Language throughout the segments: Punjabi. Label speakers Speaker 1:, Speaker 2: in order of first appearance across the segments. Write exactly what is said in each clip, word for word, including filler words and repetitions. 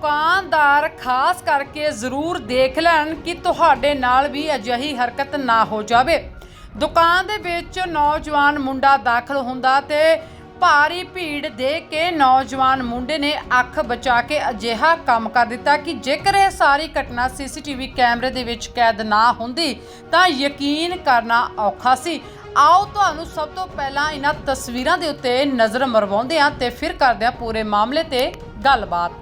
Speaker 1: ਦੁਕਾਨਦਾਰ ਖਾਸ ਕਰਕੇ ਜ਼ਰੂਰ ਦੇਖ ਲੈਣ ਕਿ ਤੁਹਾਡੇ ਨਾਲ ਵੀ ਅਜਿਹੀ ਹਰਕਤ ਨਾ ਹੋ ਜਾਵੇ। ਦੁਕਾਨ ਦੇ ਵਿੱਚ ਨੌਜਵਾਨ ਮੁੰਡਾ ਦਾਖਲ ਹੁੰਦਾ ਤੇ ਭਾਰੀ ਭੀੜ ਦੇਖ ਕੇ ਨੌਜਵਾਨ ਮੁੰਡੇ ਨੇ ਅੱਖ ਬਚਾ ਕੇ ਅਜਿਹਾ ਕੰਮ ਕਰ ਦਿੱਤਾ ਕਿ ਜੇਕਰ ਇਹ ਸਾਰੀ ਘਟਨਾ ਸੀਸੀਟੀਵੀ ਕੈਮਰੇ ਦੇ ਵਿੱਚ ਕੈਦ ਨਾ ਹੁੰਦੀ ਤਾਂ ਯਕੀਨ ਕਰਨਾ ਔਖਾ ਸੀ। ਆਓ ਤੁਹਾਨੂੰ ਸਭ ਤੋਂ ਪਹਿਲਾਂ ਇਹਨਾਂ ਤਸਵੀਰਾਂ ਦੇ ਉੱਤੇ ਨਜ਼ਰ ਮਰਵਾਉਂਦੇ ਹਾਂ ਤੇ ਫਿਰ ਕਰਦੇ ਹਾਂ ਪੂਰੇ ਮਾਮਲੇ ਤੇ ਗੱਲਬਾਤ।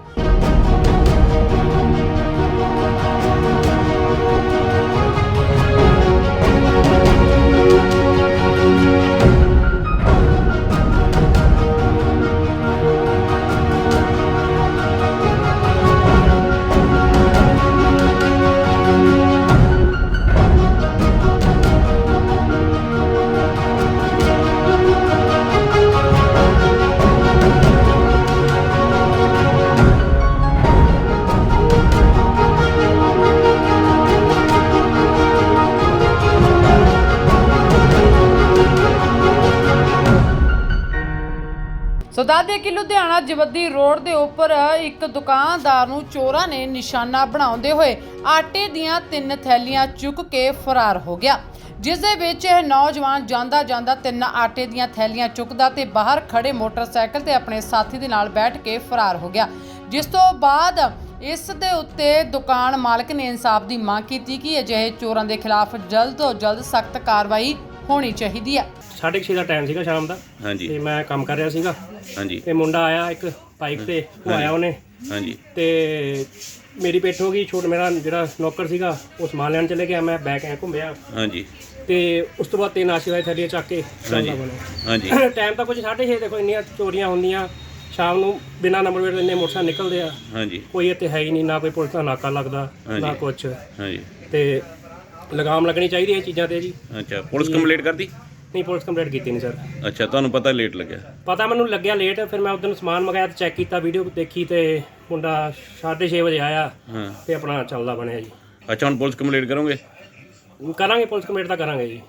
Speaker 1: ਸੋ ਦੱਸਦੇ ਕਿ ਲੁਧਿਆਣਾ ਜਵੱਦੀ ਰੋਡ ਦੇ ਉੱਪਰ ਇੱਕ ਦੁਕਾਨਦਾਰ ਨੂੰ ਚੋਰਾਂ ਨੇ ਨਿਸ਼ਾਨਾ ਬਣਾਉਂਦੇ ਹੋਏ ਆਟੇ ਦੀਆਂ ਤਿੰਨ ਥੈਲੀਆਂ ਚੁੱਕ ਕੇ ਫਰਾਰ ਹੋ ਗਿਆ, ਜਿਸ ਦੇ ਵਿੱਚ ਇਹ ਨੌਜਵਾਨ ਜਾਂਦਾ ਜਾਂਦਾ ਤਿੰਨ ਆਟੇ ਦੀਆਂ ਥੈਲੀਆਂ ਚੁੱਕਦਾ ਤੇ ਬਾਹਰ ਖੜੇ ਮੋਟਰਸਾਈਕਲ ਤੇ ਆਪਣੇ ਸਾਥੀ ਦੇ ਨਾਲ ਬੈਠ ਕੇ ਫਰਾਰ ਹੋ ਗਿਆ। ਜਿਸ ਤੋਂ ਬਾਅਦ ਇਸ ਦੇ ਉੱਤੇ ਦੁਕਾਨ ਮਾਲਕ ਨੇ ਇਨਸਾਫ ਦੀ ਮੰਗ ਕੀਤੀ ਕਿ ਅਜਿਹੇ ਚੋਰਾਂ ਦੇ ਖਿਲਾਫ ਜਲਦ ਤੋਂ ਜਲਦ ਸਖਤ ਕਾਰਵਾਈ ਹੋਣੀ ਚਾਹੀਦੀ ਹੈ।
Speaker 2: ਸਾਢੇ ਛੇ ਦਾ ਟਾਈਮ ਸੀਗਾ ਸ਼ਾਮ ਦਾ।
Speaker 3: ਹਾਂਜੀ
Speaker 2: ਤੇ ਮੈਂ ਕੰਮ ਕਰ ਰਿਹਾ ਸੀਗਾ।
Speaker 3: ਹਾਂਜੀ
Speaker 2: ਤੇ ਮੁੰਡਾ ਆਇਆ ਇੱਕ ਬਾਈਕ ਤੇ, ਉਹ ਆਇਆ ਉਹਨੇ
Speaker 3: ਹਾਂਜੀ
Speaker 2: ਤੇ ਮੇਰੀ ਪਿੱਠ ਹੋ ਗਈ। ਛੋਟ ਮੇਰਾ ਜਿਹੜਾ ਨੌਕਰ ਸੀਗਾ ਉਹ ਸਮਾਨ ਲੈਣ ਚਲੇ ਗਿਆ, ਮੈਂ ਬੈਕ ਐ ਘੁੰਮਿਆ
Speaker 3: ਹਾਂਜੀ
Speaker 2: ਤੇ ਉਸ ਤੋਂ ਬਾਅਦ ਤਿੰਨ ਆਸ਼ੀਰਵਾਦ ਥੈਲੀਆਂ ਚੱਕ ਕੇ ਚੱਲਦਾ ਬਣਿਆ।
Speaker 3: ਹਾਂਜੀ
Speaker 2: ਟਾਈਮ ਤਾਂ ਕੁਝ ਸਾਢੇ ਛੇ, ਦੇਖੋ ਇੰਨੀਆਂ ਚੋਰੀਆਂ ਹੁੰਦੀਆਂ ਸ਼ਾਮ ਨੂੰ, ਬਿਨਾਂ ਨੰਬਰ ਪਲੇਟ ਇੰਨੇ ਮੋਟਰਸਾਈਕਲ ਨਿਕਲਦੇ ਆ।
Speaker 3: ਹਾਂਜੀ
Speaker 2: ਕੋਈ ਇੱਥੇ ਹੈ ਹੀ ਨਹੀਂ, ਨਾ ਕੋਈ ਪੁਲਿਸ ਦਾ ਨਾਕਾ ਲੱਗਦਾ ਨਾ ਕੁਛ।
Speaker 3: ਹਾਂਜੀ
Speaker 2: ਤੇ ਲਗਾਮ ਲੱਗਣੀ ਚਾਹੀਦੀ ਇਹ ਚੀਜ਼ਾਂ ਤੇ ਜੀ।
Speaker 3: ਅੱਛਾ, ਪੁਲਿਸ ਕੰਪਲੀਟ ਕਰਦੀ?
Speaker 2: ਨਹੀਂ, ਪੁਲਿਸ ਕੰਪਲੀਟ ਕੀਤੀ ਨਹੀਂ ਸਰ।
Speaker 3: ਅੱਛਾ, ਤੁਹਾਨੂੰ ਪਤਾ ਲੇਟ ਲੱਗਿਆ?
Speaker 2: ਪਤਾ ਮੈਨੂੰ ਲੱਗਿਆ ਲੇਟ, ਫਿਰ ਮੈਂ ਉਦੋਂ ਸਮਾਨ ਮੰਗਾਇਆ ਤੇ ਚੈੱਕ ਕੀਤਾ, ਵੀਡੀਓ ਦੇਖੀ ਤੇ ਮੁੰਡਾ ਸਾਢੇ ਛੇ ਵਜੇ ਆਇਆ
Speaker 3: ਹਾਂ
Speaker 2: ਤੇ ਆਪਣਾ ਚੱਲਦਾ ਬਣਿਆ ਜੀ।
Speaker 3: ਅੱਛਾ, ਹੁਣ ਪੁਲਿਸ ਕੰਪਲੀਟ ਕਰੋਗੇ?
Speaker 2: ਕਰਾਂਗੇ, ਪੁਲਿਸ ਕੰਪਲੀਟ ਤਾਂ ਕਰਾਂਗੇ ਜੀ।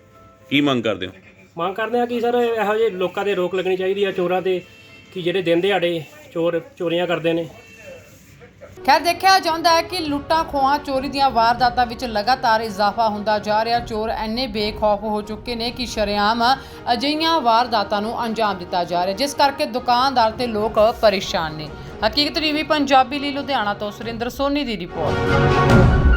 Speaker 3: ਕੀ ਮੰਗ ਕਰਦੇ ਹੋ?
Speaker 2: ਮੰਗ ਕਰਦੇ ਆ ਕਿ ਸਰ ਇਹੋ ਜਿਹੇ ਲੋਕਾਂ ਤੇ ਰੋਕ ਲੱਗਣੀ ਚਾਹੀਦੀ ਆ, ਚੋਰਾਂ ਤੇ, ਕਿ ਜਿਹੜੇ ਦਿਨ ਦਿਹਾੜੇ ਚੋਰ ਚੋਰੀਆਂ ਕਰਦੇ ਨੇ।
Speaker 1: ਖੈਰ ਦੇਖਿਆ ਜਾਂਦਾ ਹੈ ਕਿ ਲੁੱਟਾਂ ਖੋਹਾਂ ਚੋਰੀ ਦੀਆਂ ਵਾਰਦਾਤਾਂ ਵਿੱਚ ਲਗਾਤਾਰ ਇਜ਼ਾਫਾ ਹੁੰਦਾ ਜਾ ਰਿਹਾ। ਚੋਰ ਇੰਨੇ ਬੇਖੌਫ ਹੋ ਚੁੱਕੇ ਨੇ ਕਿ ਸ਼ਰੇਆਮ ਅਜਿਹੀਆਂ ਵਾਰਦਾਤਾਂ ਨੂੰ ਅੰਜਾਮ ਦਿੱਤਾ ਜਾ ਰਿਹਾ, ਜਿਸ ਕਰਕੇ ਦੁਕਾਨਦਾਰ ਤੇ ਲੋਕ ਪਰੇਸ਼ਾਨ ਨੇ। ਹਕੀਕਤ ਟੀਵੀ ਪੰਜਾਬੀ ਲਈ ਲੁਧਿਆਣਾ ਤੋਂ ਸੁਰਿੰਦਰ ਸੋਨੀ ਦੀ ਰਿਪੋਰਟ।